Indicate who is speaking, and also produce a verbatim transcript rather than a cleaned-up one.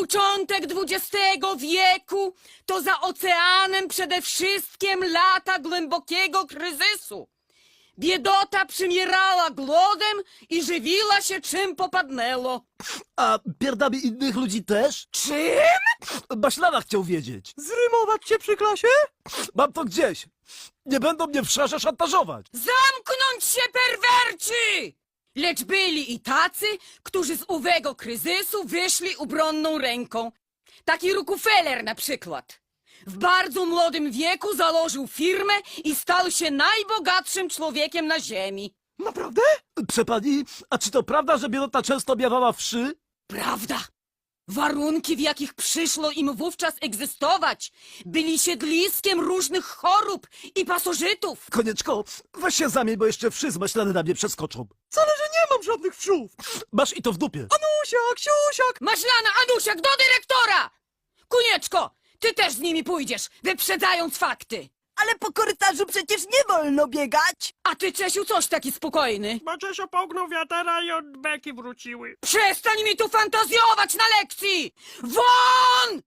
Speaker 1: początek dwudziestego wieku to za oceanem przede wszystkim lata głębokiego kryzysu. Biedota przymierała głodem i żywiła się czym popadnęło.
Speaker 2: A pierdami innych ludzi też?
Speaker 1: Czym?
Speaker 2: Maślana chciał wiedzieć.
Speaker 3: Zrymować cię przy klasie?
Speaker 2: Mam to gdzieś. Nie będą mnie w szarze szantażować.
Speaker 1: Zamknąć się, perwerci! Lecz byli i tacy, którzy z owego kryzysu wyszli obronną ręką. Taki Rockefeller na przykład. W bardzo młodym wieku założył firmę i stał się najbogatszym człowiekiem na ziemi.
Speaker 3: Naprawdę?
Speaker 2: Prze pani, a czy to prawda, że biedota często miewała wszy?
Speaker 1: Prawda? Warunki, w jakich przyszło im wówczas egzystować, byli siedliskiem różnych chorób i pasożytów.
Speaker 2: Konieczko, weź się zamień, bo jeszcze wszy z maślany na mnie przeskoczą.
Speaker 3: Wcale, że nie mam żadnych wszów.
Speaker 2: Masz i to w dupie.
Speaker 3: Anusiak, siusiak.
Speaker 1: Maślana, Anusiak, do dyrektora! Kunieczko, ty też z nimi pójdziesz, wyprzedzając fakty.
Speaker 4: Ale po korytarzu przecież nie wolno biegać.
Speaker 1: A ty, Czesiu, coś taki spokojny.
Speaker 5: Bo Czesio połknął wiatera i od beki wróciły.
Speaker 1: Przestań mi tu fantazjować na lekcji! Won!